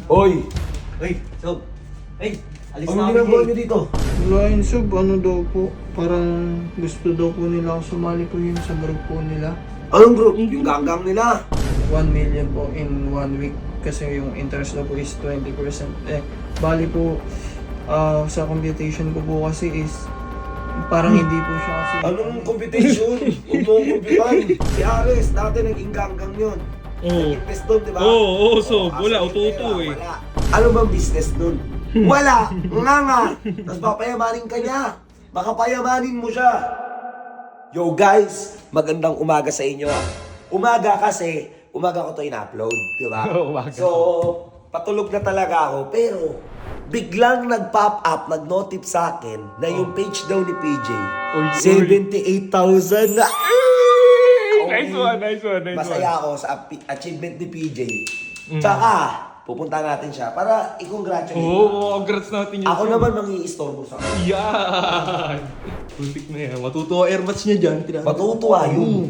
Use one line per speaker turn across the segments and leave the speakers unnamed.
Hoy!
Uy, Sob. Ay, alis
Ano
na
ginagawa
kami.
nyo dito?
Wala yun, Sob. Ano daw po? Parang gusto daw po nila ako sumali po yun sa group po nila.
Anong group? Yung ganggang nila.
1 million po in 1 week. Kasi yung interest daw po is 20%. Bali po, sa computation ko po kasi is parang hindi po siya kasi...
Anong competition? Huwag mo akong kumpitan. Si Ares, dati naging ganggang yun.
Oo.
Nag-invest doon, di ba?
Oo, so,
kaso
wala,
yung
uto-uto
pera,
eh.
wala. Ano bang business nun? Wala! Nga! Tapos papayamanin ka niya. Baka payamanin mo siya. Yo guys, magandang umaga sa inyo. Umaga kasi, umaga ko to in-upload, di ba?
Umaga.
So, patulog na talaga ako. Pero, biglang nag-pop up, nag-notif sa akin na yung page daw ni PJ,
Uy,
78,000 na.
Nice one, nice one, nice one.
Masaya ako sa achievement ni PJ. Tsaka, pupunta natin siya para i-congratulate.
Oo, congrats natin yun.
Ako naman mangi-istorbo sa akin.
Yan! Puntik na yan. Matutuwa airmatch niya dyan.
Matutuwa yun.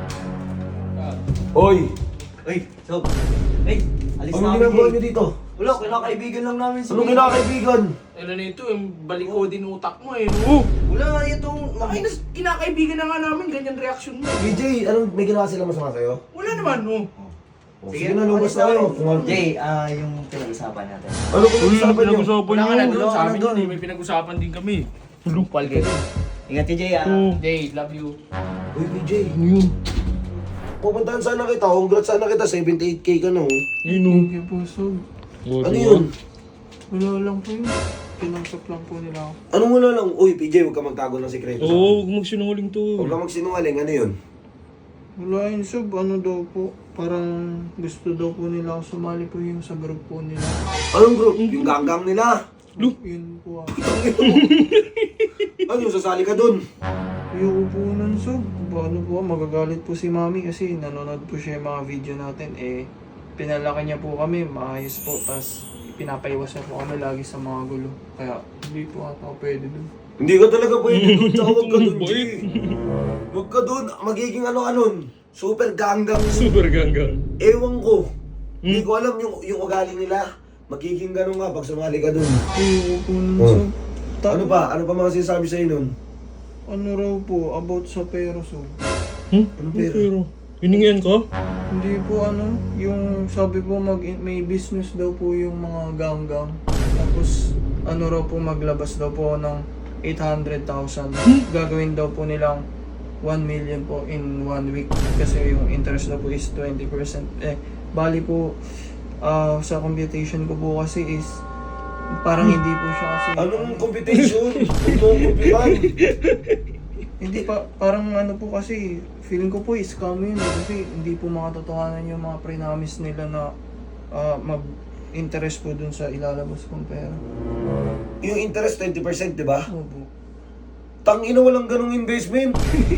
Hoy!
Uy, Sob. Ay, alis na
Anong
kami.
ginagawa nyo dito?
Wala, kinakaibigan lang namin si
Anong kinakaibigan?
Ano na ito, yung baliko din utak mo eh. No?
Wala, itong...
Ay, kinakaibigan na nga namin, ganyan reaction mo.
PJ, anong may ginawa sila masama sa'yo?
Wala naman, no?
Sige na, lumabas na kayo.
Jay, yung pinag-usapan natin.
Ano kung usapan nyo?
Pinag-usapan
Wala ka na
niyo.
doon,
wala
sa
ka
amin
na
yun eh. May pinag-usapan din kami.
Lupal ka din. Ingat ka, Jay,
Oo.
Jay, love you.
Uy, PJ.
Ano yun?
Pupuntahan sana kita. Congrats sana kita. 78k ka na, oh.
Yun o.
Thank you po, Sob.
Ano yun?
Wala lang po yun. Pinausap lang po nila ako.
Anong wala lang? Uy, PJ, huwag ka magtago ng sikreto.
Oo, huwag magsinungaling to.
Huwag ka magsinungaling. Ano yun?
Wala yun, Sob. Ano daw po? Parang gusto daw po nila ako sumali po yun sa group po nila.
Anong group? Yung ganggang nila.
Yun po ako.
Ano, sasali ka dun?
Ayoko po nun, Sob. Ano po, magagalit po si Mami kasi nanonood po siya yung mga video natin. Pinalaki niya po kami, maayos po. Tapos pinapaiwas niya po kami lagi sa mga gulo. Kaya hindi po ata ako pwede dun.
Hindi ka talaga pwede dun. Tsaka huwag ka dun, G.
Bait.
Huwag ka dun. Magiging ano ka nun. Super ganggang.
Super ganggang.
Ewan ko. Hindi ko alam yung ugali nila. Magiging ganun nga pag sumali ka dun.
Ayoko po nun,
Oh.
Sob.
Ano pa? Ano pa mga sinasabi sa'yo nun?
Ano raw po, about sa pera, Sob.
Anong pera?
Pero, hiningian ka?
Hindi po ano, yung sabi po may business daw po yung mga ganggang. Tapos ano raw po maglabas daw po ng 800,000. Gagawin daw po nilang 1 million po in 1 week. Kasi yung interest daw po is 20%. Bali po, sa computation ko po kasi is parang hindi po siya kasi...
Anong competition? Huwag mo akong kumpitan.
Hindi pa, parang ano po kasi, feeling ko po scam yun. Kasi hindi po makatotohanan yung mga pre-promise nila na mag-interest po dun sa ilalabas kong pera.
Yung interest 20%, di ba?
Opo.
Tangina, walang ganong investment.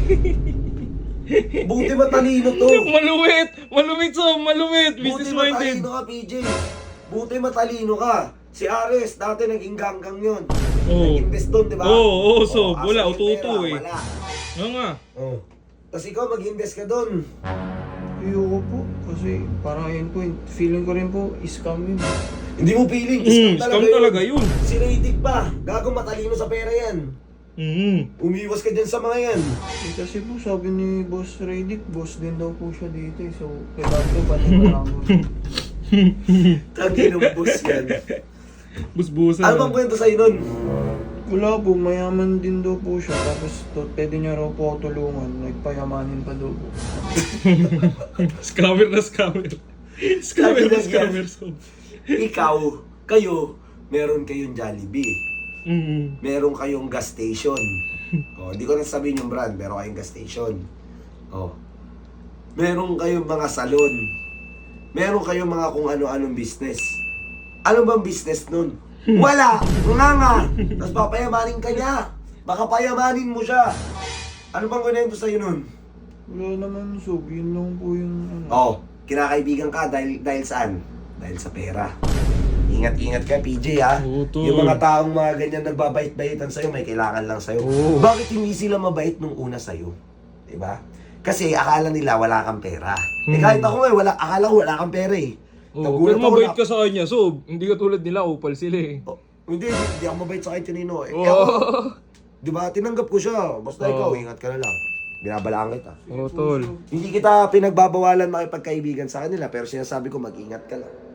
Buti matalino to.
Maluwit! Maluwit, so! Maluwit!
Buti
Business minded!
matalino ka, PJ. Buti matalino ka. Si Ares, dati naging ganggang yun.
Oo.
Nag-invest doon, di ba?
Oo, so,
asa
wala,
yung
uto-uto
pera?
eh.
Wala.
Nga nga.
Oh. Tapos ikaw, mag-invest ka doon.
Ayoko po. Kasi parang ayun po, feeling ko rin po, scam yun.
Hindi mo feeling.
Scam talaga yun.
Si Raydick pa. Gago matalino sa pera yan. Umiwas ka dyan sa mga yan.
Kasi po sabi ni Boss Raydick, boss din daw po siya dito eh. So, kailangan ko paniwalaan ko.
Tangin ng boss yan.
Busbusan.
Ano bang kwento sa'yo nun?
Wala po, mayaman din daw po siya. Tapos pwede niya raw po ako tulungan. Nagpayamanin pa daw po.
Scammer na scammer. Scammer na scammer. So.
Ikaw, kayo, meron kayong Jollibee. Meron kayong gas station. Oh, hindi ko na sabihin yung brand, meron kayong gas station. Oh. Meron kayong mga salon. Meron kayong mga kung ano-anong business. Ano bang business nun? Wala! Nga! Tapos papayamanin ka niya. Baka payamanin mo siya. Ano bang kunento sa'yo nun?
Wala naman, Sob. Yun lang po yung ano.
Oh, kinakaibigan ka dahil saan? Dahil sa pera. Ingat-ingat ka, PJ, ha?
Oo, tol.
Yung mga taong mga ganyan nagbabait-baitan sa'yo, may kailangan lang sa'yo.
Oo.
Bakit hindi sila mabait nung una sa'yo? Diba? Kasi akala nila wala kang pera. Eh kahit ako akala ko wala kang pera eh.
Oh,
Nagulat
pero
ako
mabait
na-
ka sa kanya, so hindi ka tulad nila, upal sila eh.
Oh, hindi ako mabait sa kahit kanino. Eh,
Oo.
ako, di ba, tinanggap ko siya. Basta
Oo.
ikaw, ingat ka na lang. Binabalaan kita.
Oo, tol.
Hindi kita pinagbabawalan makipagkaibigan sa kanila, pero sinasabi ko, mag-ingat ka lang.